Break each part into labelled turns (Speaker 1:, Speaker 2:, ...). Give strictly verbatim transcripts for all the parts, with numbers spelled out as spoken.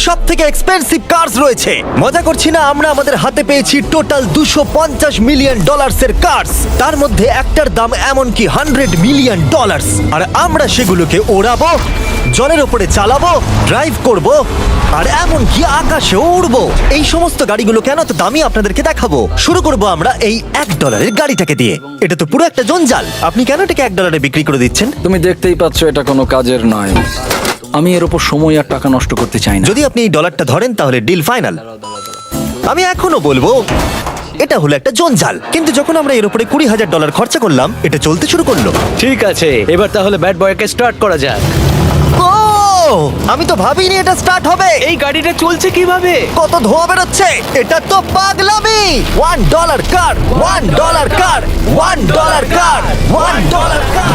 Speaker 1: সব থেকে expensive curse রয়েছে। মজা করছি না, আমরা আমাদের হাতে পেয়েছি টোটাল দুশো পঞ্চাশ মিলিয়ন ডলার্সের কার্স। তার মধ্যে একটার দাম এমনকি হান্ড্রেড মিলিয়ন ডলার্স। আর আমরা সেগুলোকে ওড়াবো, জলের ওপরে চালাবো, ড্রাইভ করব, আর এমনকি আকাশে উড়বো। এই সমস্ত গাড়িগুলো কেন তো দামি আপনাদেরকে দেখাবো। শুরু করব আমরা এই এক ডলারের গাড়িটাকে দিয়ে। এটা তো পুরো একটা জঞ্জাল। আপনি কেন এটাকে এক ডলারে বিক্রি করে দিচ্ছেন?
Speaker 2: তুমি দেখতেই পাচ্ছ এটা কোনো কাজের নয়। আমি এর উপর সময় আর টাকা নষ্ট করতে চাই না।
Speaker 1: যদি আপনি এই ডলারটা ধরেন তাহলে ডিল ফাইনাল। আমি এখনো বলবো এটা হলো একটা জঞ্জাল, কিন্তু যখন আমরা এর উপরে কুড়ি হাজার ডলার খরচা করলাম, এটা চলতে শুরু করলো।
Speaker 3: ঠিক আছে, এবার তাহলে ব্যাড বয়কে স্টার্ট করা যাক।
Speaker 1: ও, আমি তো ভাবিনি এটা স্টার্ট হবে।
Speaker 3: এই গাড়িটা চলছে কিভাবে?
Speaker 1: কত ধোঁয়া বেরোচ্ছে, এটা তো পাগলামি। One dollar car, one dollar car, one dollar car, one dollar car.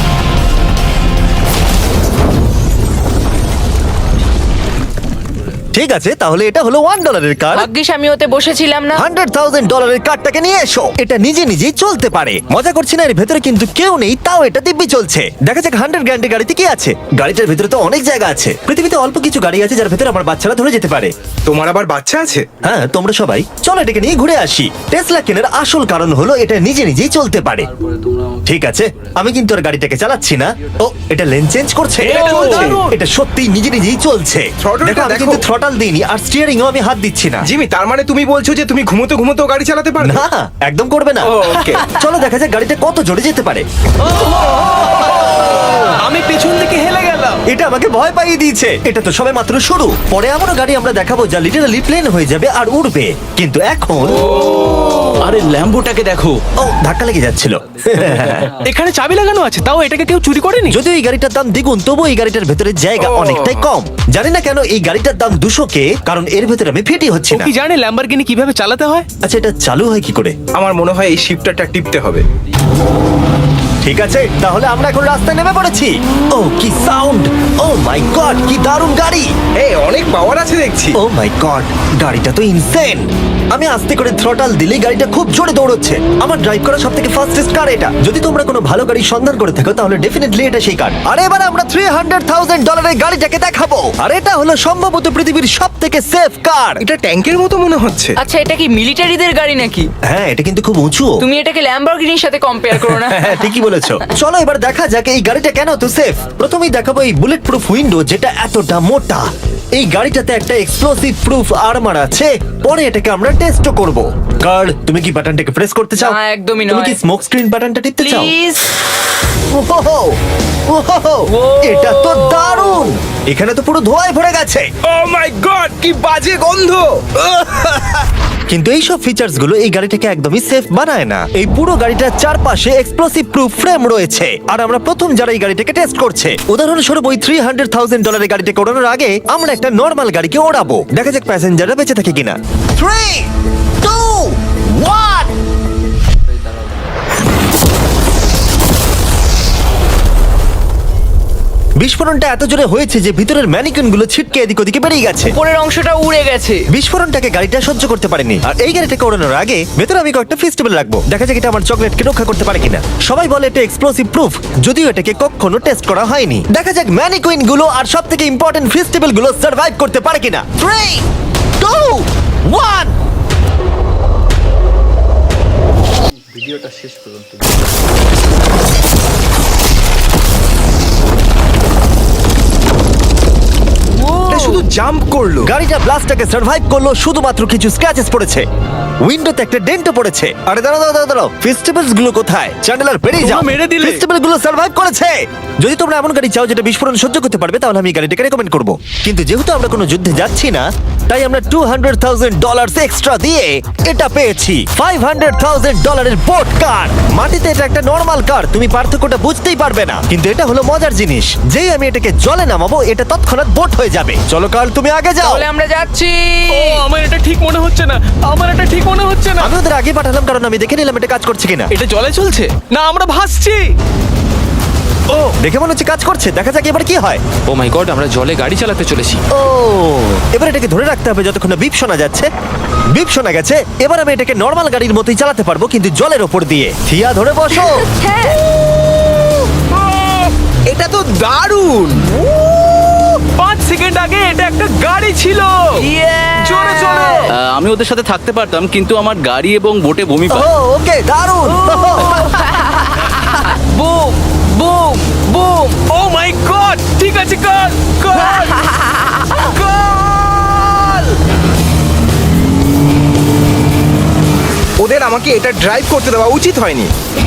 Speaker 1: ঠিক আছে, তাহলে এটা হলো ওয়ান ডলারের কার।
Speaker 4: ভাগ্যিস আমি ওতে বসেছিলাম না।
Speaker 1: হান্ড্রেড থাউজেন্ড ডলারের কারটাকে নিয়ে এসো। এটা নিজে নিজেই চলতে পারে। মজা করছি না, এর ভেতরে কিন্তু কেউ নেই, তাও এটা দিব্যি চলছে। দেখা যাক হান্ড্রেড গ্র্যান্ডের গাড়িতে কি আছে। গাড়িটার ভেতরে তো অনেক জায়গা আছে। পৃথিবীতে অল্প কিছু গাড়ি আছে যার ভেতরে আমার বাচ্চারা ধরে যেতে পারে।
Speaker 5: তোমার আবার বাচ্চা আছে?
Speaker 1: হ্যাঁ, তোমরা সবাই চলো এটাকে নিয়ে ঘুরে আসি। টেসলা কেনার আসল কারণ হলো এটা নিজে নিজেই চলতে পারে। ঠিক আছে, আমি কিন্তু আর গাড়িটাকে চালাচ্ছি না। ও, এটা লেন চেঞ্জ করছে।
Speaker 3: এটা চলছে।
Speaker 1: এটা সত্যিই নিজে নিজেই চলছে।
Speaker 5: Throttle-টা
Speaker 1: দেখো, আমি
Speaker 5: দেখো।
Speaker 1: কিন্তু থ্রটাল দিইনি আর স্টিয়ারিংও আমি হাত দিচ্ছি না।
Speaker 5: জিমি, তার মানে তুমি বলছো যে তুমি ঘুমোতে ঘুমোতে গাড়ি চালাতে পারবে?
Speaker 1: না, একদম করবে না।
Speaker 5: ও, okay.
Speaker 1: চলো দেখা যাক গাড়িটা কত জোরে যেতে পারে।
Speaker 3: আমি পেছন থেকে হেলে গেলাম।
Speaker 1: এটা আমাকে ভয় পাইয়ে দিয়েছে। এটা তো সবে মাত্র শুরু। পরে এমনও গাড়ি আমরা দেখাবো যা লিটারালি প্লেন হয়ে যাবে আর উড়বে। কিন্তু এখন
Speaker 3: আরে ল্যাম্বোটাকে দেখো,
Speaker 1: ও, ধাক্কা লেগে যাচ্ছিল।
Speaker 3: এখানে চাবি লাগানো আছে, তাও এটাকে কেউ চুরি করেনি।
Speaker 1: যদিও এই গাড়িটার দাম দ্বিগুণ, তবু এই গাড়িটার ভেতরে জায়গা
Speaker 3: ও।
Speaker 1: অনেকটাই কম। জানি না কেন এই গাড়িটার দাম দুশো কে, কারণ এর ভেতরে আমি ফিটি হচ্ছে
Speaker 3: ও
Speaker 1: না।
Speaker 3: কি জানে ল্যাম্বরগিনি কিভাবে চালাতে হয়?
Speaker 1: আচ্ছা, এটা চালু হয় কি করে?
Speaker 5: আমার মনে হয় এই শিফটারটা টিপতে হবে।
Speaker 1: ঠিক আছে, তাহলে আমরা এখন রাস্তায় নেমে পড়েছি। ও কি সাউন্ড! ও মাই গড, কি দারুণ গাড়ি!
Speaker 5: এই অনেক পাওয়ার আছে দেখছি।
Speaker 1: ও মাই গড, গাড়িটা তো ইনসেন। আমি আস্তে করে থ্রটাল দিলেই গাড়িটা খুব জোরে দৌড়চ্ছে। আমার ড্রাইভ করা সবথেকে ফাস্টেস্ট কার এটা। যদি তোমরা কোনো ভালো গাড়ি সন্ধান করে থাকো তাহলে ডেফিনেটলি এটা সেই কার। আর এবার আমরা থ্রি হান্ড্রেড থাউজেন্ড ডলারের গাড়িটাকে দেখাবো। আর এটা হলো সম্ভবত পৃথিবীর সবথেকে সেফ কার।
Speaker 5: এটা ট্যাঙ্কের মতো মনে হচ্ছে।
Speaker 4: আচ্ছা, এটা কি মিলিটারিদের গাড়ি নাকি?
Speaker 1: হ্যাঁ, এটা কিন্তু খুব উঁচু।
Speaker 4: তুমি এটাকে ল্যাম্বরগিনির সাথে কম্পেয়ার করো না।
Speaker 1: হ্যাঁ, ঠিকই বলেছো। চলো এবার দেখা যাক এই গাড়িটা কেন তো সেফ। প্রথমেই দেখাবো এই বুলেট প্রুফ উইন্ডো, যেটা এতটা মোটা। এই গাড়িটাতে একটা এক্সপ্লোসিভ প্রুফ আর্মার আছে। পরে এটাকে আমরা টেস্ট করব। কার, তুমি কি বাটনটাকে প্রেস করতে চাও?
Speaker 4: না, একদমই
Speaker 1: তুমি
Speaker 4: নয়।
Speaker 1: কি স্মোক স্ক্রিন বাটনটা টিপতে চাও?
Speaker 4: প্লিজ।
Speaker 1: ওহো, ওহো, এটা তো দারুণ। এখানে তো পুরো ধোঁয়ায় ভরে গেছে।
Speaker 5: ও মাই গড, কি বাজে গন্ধ!
Speaker 1: কিন্তু এই সব ফিচার্স গুলো এই গাড়িটাকে একদমই সেফ বানায় না। এই পুরো গাড়িটার চারপাশে এক্সপ্লোসিভ প্রুফ ফ্রেম রয়েছে। আর আমরা প্রথম যারা এই গাড়িটাকে টেস্ট করছে, উদাহরণস্বরূপ ওই থ্রি হান্ড্রেড থাউজেন্ড ডলারের গাড়িটাকে ওড়ানোর আগে আমরা একটা নর্মাল গাড়িকে ওড়াবো। দেখা যাক প্যাসেঞ্জাররা বেঁচে থাকে কিনা। Three, two, one. বিস্ফোরণটা এত জোরে হয়েছে যে ভিতরের ম্যানিকুইন গুলো ছিটকে এদিক ওদিকে বেরিয়ে গেছে।
Speaker 4: উপরের অংশটা উড়ে গেছে।
Speaker 1: বিস্ফোরণটাকে গাড়িটা সহ্য করতে পারেনি। আর এই গাড়িটাকে ওড়ানোর আগে ভেতরে আমি কয়েকটা ফেস্টিভ্যাল রাখবো। দেখা যাক এটা আমার চকলেটকে রক্ষা করতে পারে কিনা। সবাই বলে এটা এক্সপ্লোসিভ প্রুফ, যদিও এটাকে কখনো টেস্ট করা হয়নি। দেখা যাক ম্যানিকুইন গুলো আর সব থেকে ইম্পর্টেন্ট ফেস্টিভ্যাল গুলো সার্ভাইভ করতে পারে কিনা। Three, two, one.
Speaker 2: ভিডিওটা শেষ পর্যন্ত
Speaker 5: এটা শুধু জাম্প করলো।
Speaker 1: গাড়িটা ব্লাস্টটাকে সার্ভাইভ করলো, শুধুমাত্র কিছু স্ক্র্যাচেস পড়েছে। উইন্ডোতে একটা ডেন্টও পড়েছে। আরে দাঁড়াও দাঁড়াও দাঁড়াও, দাঁড়াও, ফেস্টিভ্যালস গুলো কোথায়? চ্যান্ডেলার বেরিয়ে যাও।
Speaker 3: তোমরা মেরে দিলে।
Speaker 1: ফেস্টিভ্যাল গুলো সার্ভাইভ করেছে। যদি তোমরা এমন গাড়ি চাও যেটা বিস্ফোরণ সহ্য করতে পারবে, তাহলে আমি এই গাড়িটাকে রেকমেন্ড করব। কিন্তু যেহেতু আমরা কোনো যুদ্ধে যাচ্ছি না, তাই আমরা two hundred thousand dollar extra দিয়ে এটা পেয়েছি। ফাইভ হান্ড্রেড থাউজেন্ড ডলারের বোট কার। মাটিতে এটা একটা নর্মাল কার, তুমি পার্থক্যটা বুঝতেই পারবে না। কিন্তু এটা হলো মজার জিনিস, যেই আমি এটাকে জলে নামাবো এটা তৎক্ষণাৎ বোট হয়ে যাবে। চলো কার, তুমি আগে যাও।
Speaker 4: তাহলে আমরা যাচ্ছি।
Speaker 3: ও, আমার এটা ঠিক মনে হচ্ছে না, আমার এটা ঠিক মনে হচ্ছে না।
Speaker 1: আমি ওদের আগে পাঠালাম কারণ আমি দেখে নিলাম এটা কাজ করছে কিনা।
Speaker 3: এটা জলে চলছে না, আমরা ভাসছি।
Speaker 1: ও, দেখে মনে হচ্ছে কাজ করছে। দেখা যাক এবার কি হয়।
Speaker 6: ও মাই গড, আমরা জলে গাড়ি চালাতে চলেছি।
Speaker 1: ও, এবার এটাকে ধরে রাখতে হবে যতক্ষণ না বিপ শোনা যাচ্ছে। বিপ শোনা গেছে। এবার আমি এটাকে নর্মাল গাড়ির মতোই চালাতে পারবো, কিন্তু জলের ওপর দিয়ে। থিয়া, ধরে বসো।
Speaker 4: হ্যাঁ।
Speaker 5: এটা তো দারুণ।
Speaker 3: পাঁচ সেকেন্ড আগে এটা একটা গাড়ি ছিল।
Speaker 4: Yeah!
Speaker 3: জোরে চলো।
Speaker 2: আহ, আমি ওদের সাথে থাকতে পারতাম কিন্তু আমার গাড়ি এবং বোটে বমি
Speaker 1: ও
Speaker 2: পায়।
Speaker 1: ওকে দারুণ
Speaker 4: boom boom boom
Speaker 3: oh my god, ঠিক আছে কর কর কর।
Speaker 5: ওদের আমাকে এটা ড্রাইভ করতে দেওয়া উচিত হয়নি।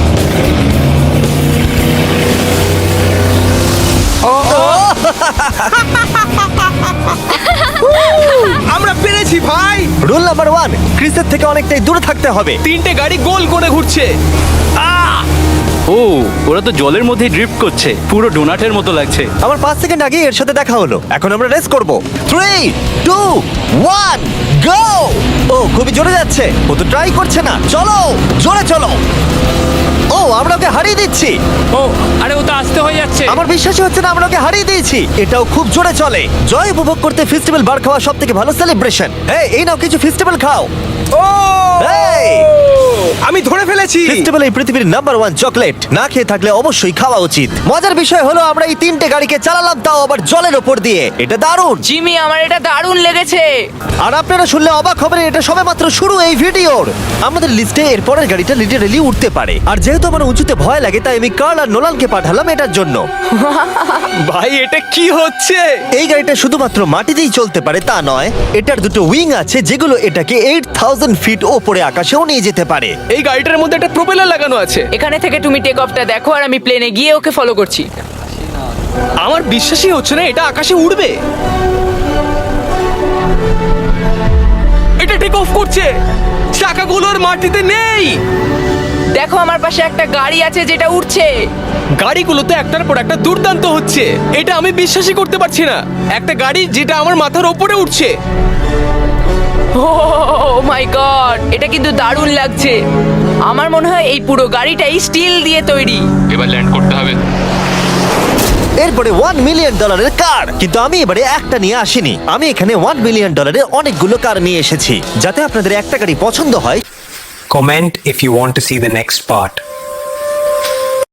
Speaker 5: আমরা পেরেছি ভাই।
Speaker 1: রুল নাম্বার ওয়ান, ক্রিসের থেকে অনেকটাই দূরে থাকতে হবে।
Speaker 3: তিনটে গাড়ি গোল করে ঘুরছে। আহ!
Speaker 2: ও ওরা তো জলের মধ্যেই ড্রিফট করছে, পুরো ডোনাটের মতো লাগছে।
Speaker 1: আমার পাঁচ সেকেন্ড আগে এর সাথে দেখা হলো। এখন আমরা রেস করব। Three two one go. ও খুবই জোরে যাচ্ছে, ও তো ট্রাই করছে না। চলো জোরে চলো। ও আমরা ওকে হারিয়ে দিচ্ছি।
Speaker 6: ও আরে ও তো আসতে হয়ে যাচ্ছে।
Speaker 1: আমার বিশ্বাসই হচ্ছে না আমরা ওকে হারিয়ে দিয়েছি। এটাও খুব জোরে চলে। জয় উপভোগ করতে ফেস্টিভ্যাল বার খাওয়া সব থেকে ভালো সেলিব্রেশন। এই এই নাও কিছু ফেস্টিভ্যাল খাও।
Speaker 5: ও
Speaker 1: এই!
Speaker 5: আমি ধরে ফেলেছি।
Speaker 1: ফেস্টিভ্যাল এই পৃথিবীর নাম্বার ওয়ান চকলেট। না খেয়ে থাকলে অবশ্যই খাওয়া উচিত। মজার বিষয় হলো আমরা এই তিনটে গাড়িকে চালালাম, তাও আবার জলের ওপর দিয়ে। এটা দারুণ।
Speaker 4: জিমি আমার এটা দারুণ লেগেছে।
Speaker 1: আর আপনারা শুনলে অবাক হবেন, এটা সবেমাত্র শুরু এই ভিডিওর। আমাদের লিস্টে এর পরের গাড়িটা লিটারেলি উঠতে পারে। আর যেহেতু আমার উঁচুতে ভয় লাগে, তাই আমি কার্ল আর নোলানকে পাঠালাম এটার জন্য।
Speaker 3: ভাই এটা কি হচ্ছে?
Speaker 1: এই গাড়িটা শুধুমাত্র মাটিতেই চলতে পারে তা নয়, এটার দুটো উইং আছে যেগুলো এটাকে এইট থাউজেন্ড ফিট ওপরে আকাশেও নিয়ে যেতে পারে।
Speaker 3: এই গাড়িটার মধ্যে একটা প্রোপেলার লাগানো আছে।
Speaker 4: এখানে থেকে তুমি টেক অফটা দেখো আর আমি প্লেনে গিয়ে ওকে ফলো করছি।
Speaker 3: আমার বিশ্বাসই হচ্ছে না এটা আকাশে উড়বে। এটা টেক অফ করছে, চাকাগুলোর মাটিতে নেই।
Speaker 4: দেখো আমার পাশে একটা গাড়ি আছে যেটা উঠছে।
Speaker 3: গাড়িগুলোতে একটার পর একটা দুর্দান্ত হচ্ছে। এটা আমি বিশ্বাসই করতে পারছি না, একটা গাড়ি যেটা আমার মাথার ওপরে উঠছে।
Speaker 4: ও মাই গড, এটা কিন্তু দারুণ লাগছে। আমার মনে হয় এই পুরো গাড়িটাই স্টিল দিয়ে তৈরি।
Speaker 6: এবার ল্যান্ড করতে হবে।
Speaker 1: এরপরে ওয়ান মিলিয়ন ডলারের কার, কিন্তু আমি এবারে একটা নিয়ে আসিনি। আমি এখানে ওয়ান মিলিয়ন ডলারের অনেকগুলো কার নিয়ে এসেছি, যাতে আপনাদের একটা গাড়ি পছন্দ হয়
Speaker 7: Comment if you want to see the next part.